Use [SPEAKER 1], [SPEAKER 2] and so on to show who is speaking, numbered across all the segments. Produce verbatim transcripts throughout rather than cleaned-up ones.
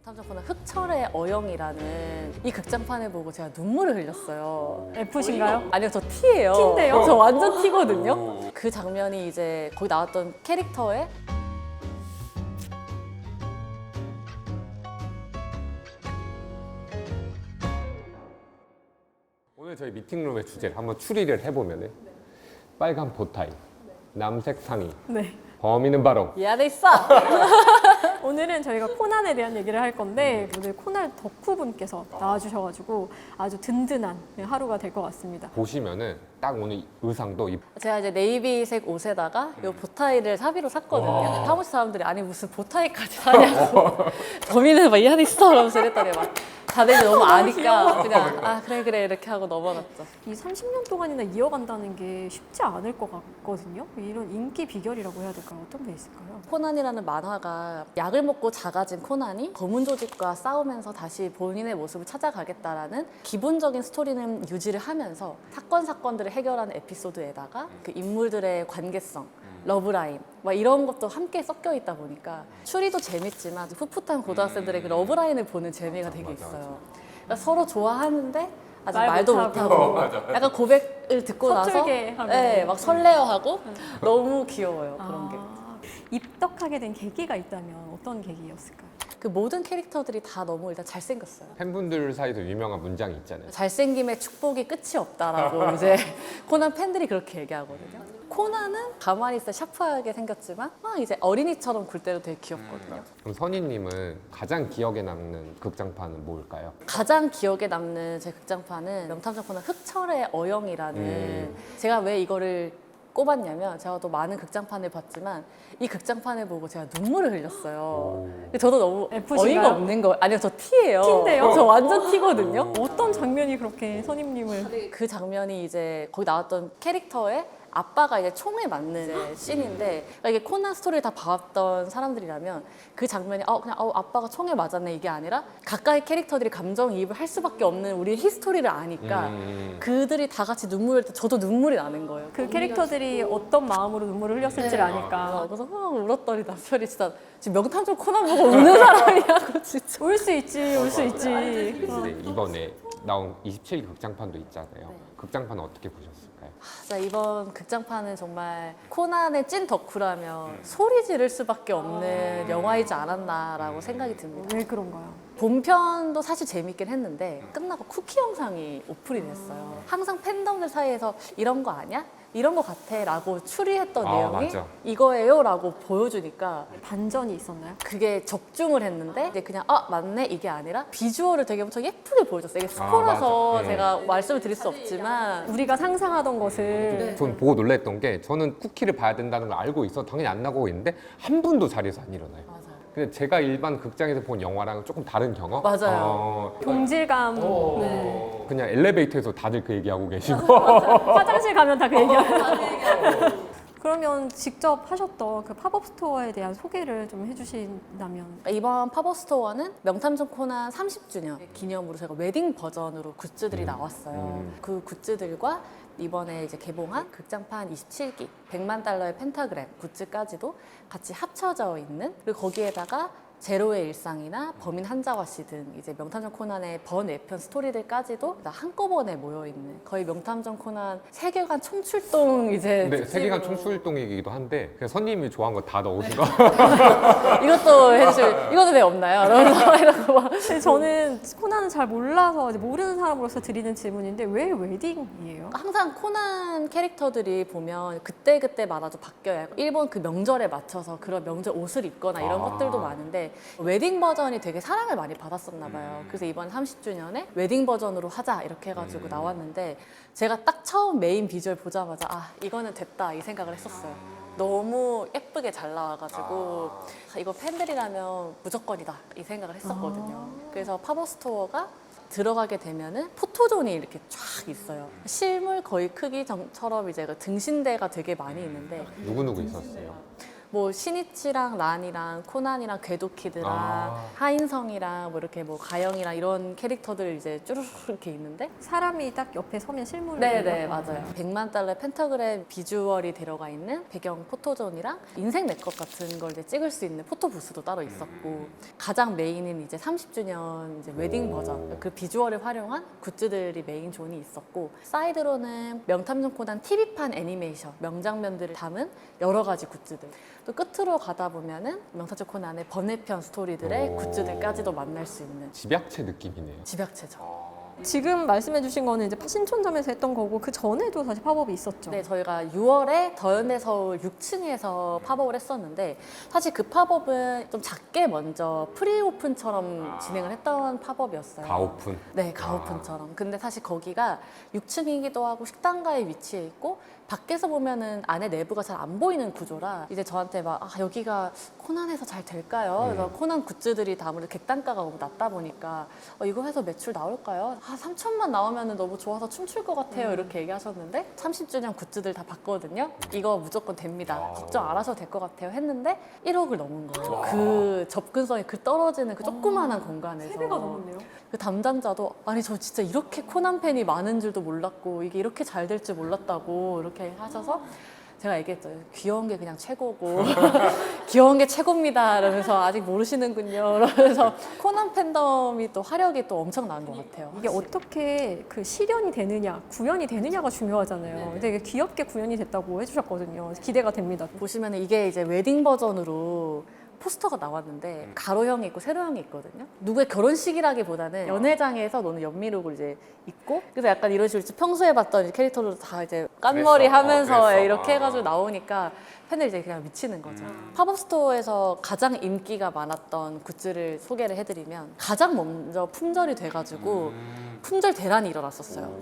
[SPEAKER 1] 명탐정 코난 흑철의 어영이라는 이 극장판을 보고 제가 눈물을 흘렸어요.
[SPEAKER 2] F신가요?
[SPEAKER 1] 아니요, 저 T예요.
[SPEAKER 2] T인데요?
[SPEAKER 1] 저 완전 T거든요. 그 장면이 이제 거기 나왔던 캐릭터의
[SPEAKER 3] 오늘 저희 미팅룸의 주제를 한번 추리를 해보면은 빨간 보타이, 남색 상의,
[SPEAKER 2] 네.
[SPEAKER 3] 범인은 바로
[SPEAKER 1] 이 안에 있어.
[SPEAKER 2] 오늘은 저희가 코난에 대한 얘기를 할 건데 오늘 코난 덕후분께서 나와주셔가지고 아주 든든한 하루가 될 것 같습니다.
[SPEAKER 3] 보시면은 딱 오늘 의상도 이
[SPEAKER 1] 제가 이제 네이비색 옷에다가 이 보타이를 사비로 샀거든요. 사무실 사람들이 아니 무슨 보타이까지 사냐고. 범인은 막 이 안에 있어 이러면서 이랬더니 막 다들 너무 아니까 그냥 아 그래 그래 이렇게 하고 넘어갔죠.
[SPEAKER 2] 이 삼십 년 동안이나 이어간다는 게 쉽지 않을 것 같거든요. 이런 인기 비결이라고 해야 될까요? 어떤 게 있을까요?
[SPEAKER 1] 코난이라는 만화가 약을 먹고 작아진 코난이 검은 조직과 싸우면서 다시 본인의 모습을 찾아가겠다라는 기본적인 스토리는 유지를 하면서 사건 사건들을 해결하는 에피소드에다가 그 인물들의 관계성, 러브라인 막 이런 것도 함께 섞여 있다 보니까 추리도 재밌지만 풋풋한 고등학생들의 그 러브라인을 보는 재미가 되게 있어요. 그러니까 서로 좋아하는데 아직
[SPEAKER 2] 말
[SPEAKER 1] 말도
[SPEAKER 2] 못하고.
[SPEAKER 1] 못하고 약간 고백을 듣고 나서
[SPEAKER 2] 서툴게 하고.
[SPEAKER 1] 네, 막 설레어하고 너무 귀여워요 그런 게.
[SPEAKER 2] 아, 입덕하게 된 계기가 있다면 어떤 계기였을까요?
[SPEAKER 1] 그 모든 캐릭터들이 다 너무 일단 잘생겼어요.
[SPEAKER 3] 팬분들 사이에서 유명한 문장이 있잖아요.
[SPEAKER 1] 잘생김의 축복이 끝이 없다라고 이제 코난 팬들이 그렇게 얘기하거든요. 코난은 가만히 있어 샤프하게 생겼지만 막 이제 어린이처럼 굴 때도 되게 귀엽거든요.
[SPEAKER 3] 그럼 선희님은 가장 기억에 남는 극장판은 뭘까요?
[SPEAKER 1] 가장 기억에 남는 제 극장판은 명탐정 코난 흑철의 어영이라는
[SPEAKER 3] 음.
[SPEAKER 1] 제가 왜 이거를 꼽았냐면 제가 또 많은 극장판을 봤지만 이 극장판을 보고 제가 눈물을 흘렸어요. 근데 저도 너무
[SPEAKER 2] F신가요?
[SPEAKER 1] 어이가 없는 거 아니요, 저 T예요.
[SPEAKER 2] T인데요?
[SPEAKER 1] 저 완전 T거든요.
[SPEAKER 2] 어떤 장면이 그렇게 선임님을
[SPEAKER 1] 그 장면이 이제 거기 나왔던 캐릭터의 아빠가 이제 총에 맞는 이제 씬인데 그러니까 이게 코난 스토리를 다 봐왔던 사람들이라면 그 장면이 어 그냥 어 아빠가 총에 맞았네 이게 아니라 가까이 캐릭터들이 감정이입을 할 수밖에 없는 우리 히스토리를 아니까
[SPEAKER 3] 음.
[SPEAKER 1] 그들이 다 같이 눈물을 흘 때 저도 눈물이 나는 거예요.
[SPEAKER 2] 그 캐릭터들이 어떤 마음으로 눈물을 흘렸을지를
[SPEAKER 1] 네.
[SPEAKER 2] 아니까
[SPEAKER 1] 그래서 막 울었더니 남편이 진짜 지금 명탐정 코난 보고 우는 사람이냐고 진짜.
[SPEAKER 2] 울 수 있지 울 수 있지. 어.
[SPEAKER 3] 근데 이번에 나온 이십칠 기 극장판도 있잖아요.
[SPEAKER 1] 네.
[SPEAKER 3] 극장판은 어떻게 보셨을까요?
[SPEAKER 1] 진짜 이번 극장판은 정말 코난의 찐 덕후라면 소리 지를 수밖에 없는 영화이지 않았나라고 생각이 듭니다.
[SPEAKER 2] 왜 그런가요?
[SPEAKER 1] 본편도 사실 재밌긴 했는데 끝나고 쿠키 영상이 오픈이 됐어요. 항상 팬덤들 사이에서 이런 거 아니야? 이런 거 같아 라고 추리했던
[SPEAKER 3] 아,
[SPEAKER 1] 내용이
[SPEAKER 3] 맞아.
[SPEAKER 1] 이거예요 라고 보여주니까
[SPEAKER 2] 반전이 있었나요?
[SPEAKER 1] 그게 적중을 했는데 이제 그냥 아 맞네 이게 아니라 비주얼을 되게 엄청 예쁘게 보여줬어요. 이게 스포라서
[SPEAKER 3] 맞아. 네.
[SPEAKER 1] 제가 말씀을 드릴 수 없지만
[SPEAKER 2] 우리가 상상하던 것을
[SPEAKER 3] 전 보고 놀랬던 게 저는 쿠키를 봐야 된다는 걸 알고 있어 당연히 안 나가고 있는데 한 분도 자리에서 안 일어나요.
[SPEAKER 1] 맞아요.
[SPEAKER 3] 근데 제가 일반 극장에서 본 영화랑은 조금 다른 경험?
[SPEAKER 1] 맞아요.
[SPEAKER 3] 어,
[SPEAKER 2] 동질감.
[SPEAKER 3] 어,
[SPEAKER 2] 네.
[SPEAKER 3] 그냥 엘리베이터에서 다들 그 얘기하고 계시고
[SPEAKER 2] 화장실 가면 다 그 얘기하고. 그러면 직접 하셨던 그 팝업 스토어에 대한 소개를 좀 해주신다면.
[SPEAKER 1] 이번 팝업 스토어는 명탐정 코난 삼십 주년 기념으로 제가 웨딩 버전으로 굿즈들이 나왔어요.
[SPEAKER 3] 음.
[SPEAKER 1] 그 굿즈들과 이번에 이제 개봉한 극장판 이십칠 기 백만 달러의 펜타그램 굿즈까지도 같이 합쳐져 있는 그리고 거기에다가 제로의 일상이나 범인 한자와 씨 등 이제 명탐정 코난의 번외편 스토리들까지도 다 한꺼번에 모여 있는 거의 명탐정 코난 세계관 총출동 이제
[SPEAKER 3] 근데 세계관
[SPEAKER 1] 특집으로.
[SPEAKER 3] 총출동이기도 한데 그냥 선님이 좋아한 거 다 넣으신 거
[SPEAKER 1] 이것도 해주실 이것도 왜 없나요? 이러면서 이러고 막
[SPEAKER 2] 근데 저는 코난은 잘 몰라서 이제 모르는 사람으로서 드리는 질문인데 왜 웨딩이에요?
[SPEAKER 1] 항상 코난 캐릭터들이 보면 그때그때마다도 바뀌어요. 일본 그 명절에 맞춰서 그런 명절 옷을 입거나 이런
[SPEAKER 3] 아.
[SPEAKER 1] 것들도 많은데 웨딩 버전이 되게 사랑을 많이 받았었나 봐요. 그래서 이번 삼십 주년에 웨딩 버전으로 하자 이렇게 해가지고 나왔는데 제가 딱 처음 메인 비주얼 보자마자 아 이거는 됐다 이 생각을 했었어요. 너무 예쁘게 잘 나와가지고 아, 이거 팬들이라면 무조건이다 이 생각을 했었거든요. 그래서 팝업 스토어가 들어가게 되면은 포토존이 이렇게 쫙 있어요. 실물 거의 크기처럼 이제 그 등신대가 되게 많이 있는데
[SPEAKER 3] 누구누구 있었어요?
[SPEAKER 1] 뭐 신이치랑 란이랑 코난이랑 궤도키드랑
[SPEAKER 3] 아.
[SPEAKER 1] 하인성이랑 뭐 이렇게 뭐 가영이랑 이런 캐릭터들 이제 쭈르륵 이렇게 있는데
[SPEAKER 2] 사람이 딱 옆에 서면 실물을
[SPEAKER 1] 네네
[SPEAKER 2] 보여요.
[SPEAKER 1] 맞아요. 백만 달러 펜타그램 비주얼이 들어가 있는 배경 포토존이랑 인생 네컷 같은 걸 이제 찍을 수 있는 포토 부스도 따로 있었고 가장 메인은 이제 삼십 주년 이제 웨딩 버전 그 비주얼을 활용한 굿즈들이 메인 존이 있었고 사이드로는 명탐정 코난 티비판 애니메이션 명장면들을 담은 여러 가지 굿즈들 또 끝으로 가다 보면은 명탐정 코난의 번외편 스토리들의
[SPEAKER 3] 오.
[SPEAKER 1] 굿즈들까지도 만날 수 있는
[SPEAKER 3] 집약체 느낌이네요.
[SPEAKER 1] 집약체죠.
[SPEAKER 2] 지금 말씀해주신 거는 이제 신촌점에서 했던 거고 그 전에도 사실 팝업이 있었죠.
[SPEAKER 1] 네, 저희가 유월에 더현대 서울 육 층에서 팝업을 했었는데 사실 그 팝업은 좀 작게 먼저 프리오픈처럼 진행을 했던 팝업이었어요.
[SPEAKER 3] 가오픈.
[SPEAKER 1] 네, 가오픈처럼. 근데 사실 거기가 육 층이기도 하고 식당가에 위치해 있고 밖에서 보면은 안에 내부가 잘 안 보이는 구조라 이제 저한테 막 아, 여기가 코난에서 잘 될까요? 그래서
[SPEAKER 3] 음.
[SPEAKER 1] 코난 굿즈들이 다 아무래도 객단가가 너무 낮다 보니까 어, 이거 해서 매출 나올까요? 아, 삼천만 나오면 너무 좋아서 춤출 것 같아요. 이렇게 얘기하셨는데 삼십 주년 굿즈들 다 봤거든요. 이거 무조건 됩니다.
[SPEAKER 3] 아.
[SPEAKER 1] 걱정 안 하셔도 될 것 같아요. 했는데 일억을 넘은 거예요. 그 접근성이 그 떨어지는 그 조그마한 공간에서.
[SPEAKER 2] 세 배가 넘었네요.
[SPEAKER 1] 그 담당자도 아니 저 진짜 이렇게 코난 팬이 많은 줄도 몰랐고 이게 이렇게 잘 될 줄 몰랐다고 이렇게 하셔서 제가 얘기했죠. 귀여운 게 그냥 최고고 귀여운 게 최고입니다. 이러면서 아직 모르시는군요. 이러면서 코난 팬덤이 또 화력이 또 엄청난 것 같아요.
[SPEAKER 2] 이게 어떻게 그 실현이 되느냐, 구현이 되느냐가 중요하잖아요. 되게 귀엽게 구현이 됐다고 해주셨거든요. 기대가 됩니다.
[SPEAKER 1] 보시면 이게 이제 웨딩 버전으로 포스터가 나왔는데 가로형이 있고 세로형이 있거든요. 누구의 결혼식이라기보다는 연회장에서 노는 연미룩을 이제 입고 그래서 약간 이런 식으로 평소에 봤던 이제 캐릭터로 다 이제 깐머리
[SPEAKER 3] 그랬어.
[SPEAKER 1] 하면서
[SPEAKER 3] 어, 그랬어.
[SPEAKER 1] 이렇게
[SPEAKER 3] 아.
[SPEAKER 1] 해가지고 나오니까 팬들이 이제 그냥 미치는 거죠. 팝업 스토어에서 가장 인기가 많았던 굿즈를 소개를 해드리면 가장 먼저 품절이 돼가지고 품절 대란이 일어났었어요.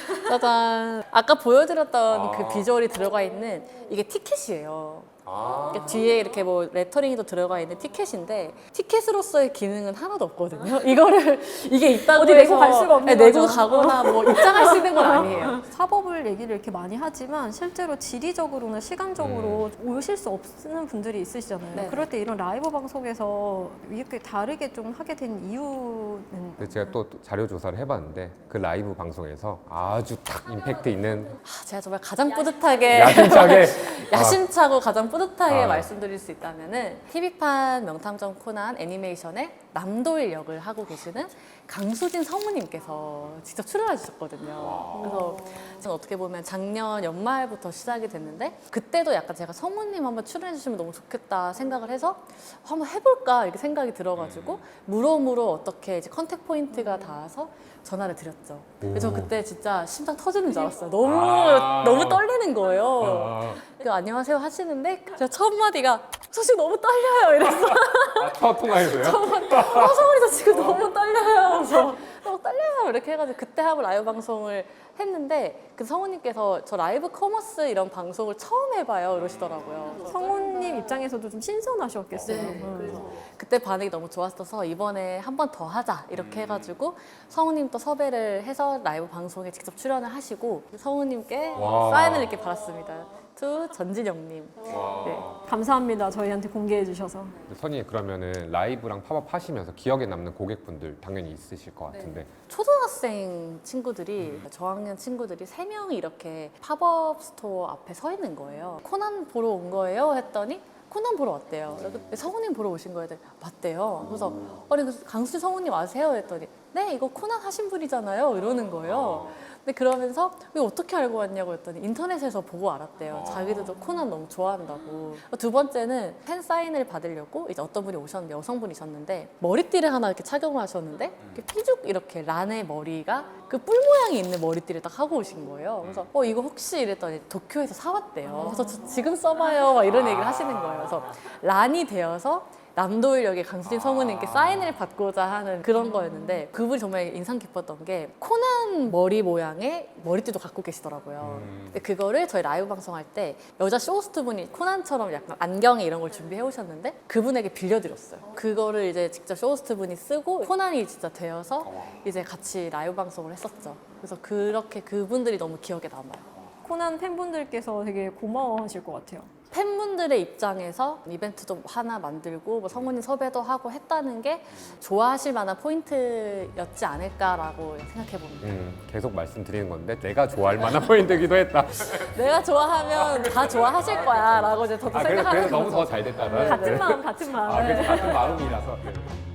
[SPEAKER 1] 짜잔. 아까 보여드렸던
[SPEAKER 3] 아.
[SPEAKER 1] 그 비주얼이 들어가 있는 이게 티켓이에요.
[SPEAKER 3] 아.
[SPEAKER 1] 이렇게 뒤에 이렇게 뭐 레터링이 또 들어가 있는 티켓인데 티켓으로서의 기능은 하나도 없거든요. 이거를 이게 있다고
[SPEAKER 2] 어디
[SPEAKER 1] 해서
[SPEAKER 2] 내고 갈 수가 없는
[SPEAKER 1] 네, 내고
[SPEAKER 2] 거죠.
[SPEAKER 1] 가거나 뭐 입장할 수 있는 건 아니에요.
[SPEAKER 2] 팝업을 얘기를 이렇게 많이 하지만 실제로 지리적으로나 시간적으로 오실 수 없는 분들이 있으시잖아요.
[SPEAKER 1] 네.
[SPEAKER 2] 그럴 때 이런 라이브 방송에서 이렇게 다르게 좀 하게 된 이유는
[SPEAKER 3] 근데 제가 또 자료 조사를 해봤는데 그 라이브 방송에서 아주 딱 임팩트 있는
[SPEAKER 1] 아, 제가 정말 가장 뿌듯하게
[SPEAKER 3] 야심차게
[SPEAKER 1] 야심차고 가장 뿌듯하게
[SPEAKER 3] 아.
[SPEAKER 1] 말씀드릴 수 있다면은 티비판 명탐정 코난 애니메이션의 남도일 역을 하고 계시는 강수진 성우님께서 직접 출연해 주셨거든요. 그래서 지금 어떻게 보면 작년 연말부터 시작이 됐는데 그때도 약간 제가 성우님 한번 출연해 주시면 너무 좋겠다 생각을 해서 한번 해볼까 이렇게 생각이 들어가지고 무로무로 어떻게 이제 컨택 포인트가 닿아서 전화를 드렸죠. 그래서
[SPEAKER 3] 오.
[SPEAKER 1] 그때 진짜 심장 터지는 줄 알았어요. 너무
[SPEAKER 3] 아.
[SPEAKER 1] 너무 떨리는 거예요.
[SPEAKER 3] 아,
[SPEAKER 1] 그 안녕하세요 하시는데 제가 첫 마디가 저 지금 너무 떨려요 이랬어.
[SPEAKER 3] 아, 첫 통화에서요?
[SPEAKER 1] 아 성훈이 저 지금 너무 떨려요. 그래서 너무 떨려요 이렇게 해가지고 그때 한번 라이브 방송을 했는데 그 성우님께서 저 라이브 커머스 이런 방송을 처음 해봐요 이러시더라고요.
[SPEAKER 2] 성우님 입장에서도 좀 신선하셨겠어요.
[SPEAKER 1] 네.
[SPEAKER 2] 음.
[SPEAKER 1] 그때 반응이 너무 좋았어서 이번에 한 번 더 하자 이렇게 해가지고 성우님 또 섭외를 해서 라이브 방송에 직접 출연을 하시고 성우님께
[SPEAKER 3] 와.
[SPEAKER 1] 사인을 이렇게 받았습니다. 투 전진영님. 네.
[SPEAKER 2] 감사합니다. 저희한테 공개해 주셔서.
[SPEAKER 3] 선이 그러면은 라이브랑 팝업 하시면서 기억에 남는 고객분들 당연히 있으실 것 같은데
[SPEAKER 1] 초등학생 친구들이 저학년 친구들이 세 명이 이렇게 팝업 스토어 앞에 서 있는 거예요. 코난 보러 온 거예요? 했더니 코난 보러 왔대요. 그래서 성우님 보러 오신 거예요? 했더니 맞대요. 그래서 아니 그 강수진 성우님 아세요? 했더니 네 이거 코난 하신 분이잖아요. 이러는 거예요. 근데 그러면서 이거 어떻게 알고 왔냐고 했더니 인터넷에서 보고 알았대요. 자기들도 코난 너무 좋아한다고. 두 번째는 팬 사인을 받으려고 이제 어떤 분이 오셨는데 여성분이셨는데 머리띠를 하나 이렇게 착용을 하셨는데 이렇게 삐죽 이렇게 란의 머리가 그 뿔 모양이 있는 머리띠를 딱 하고 오신 거예요. 그래서 어 이거 혹시 이랬더니 도쿄에서 사왔대요. 그래서 저 지금 써봐요. 막 이런 얘기를 하시는 거예요. 그래서 란이 되어서 남도일 역의 강수진 성우님께 사인을 받고자 하는 그런 거였는데 그분이 정말 인상 깊었던 게 코난 머리 모양의 머리띠도 갖고 계시더라고요. 근데 그거를 저희 라이브 방송할 때 여자 쇼호스트 분이 코난처럼 약간 안경에 이런 걸 준비해 오셨는데 그분에게 빌려드렸어요. 그거를 이제 직접 쇼호스트 분이 쓰고 코난이 진짜 되어서 이제 같이 라이브 방송을 했었죠. 그래서 그렇게 그분들이 너무 기억에 남아요.
[SPEAKER 2] 코난 팬분들께서 되게 고마워하실 것 같아요.
[SPEAKER 1] 팬분들의 입장에서 이벤트도 하나 만들고 뭐 성우님 섭외도 하고 했다는 게 좋아하실 만한 포인트였지 않을까라고 생각해 봅니다.
[SPEAKER 3] 음, 계속 말씀드리는 건데 내가 좋아할 만한 포인트이기도 했다.
[SPEAKER 1] 내가 좋아하면 다 좋아하실 거야라고 이제 저도
[SPEAKER 3] 아, 그래서,
[SPEAKER 1] 생각하는
[SPEAKER 3] 그래서 너무
[SPEAKER 1] 거죠.
[SPEAKER 3] 더 잘 됐다는.
[SPEAKER 2] 같은 마음, 같은 마음.
[SPEAKER 3] 아, 그래서 같은 마음이라서.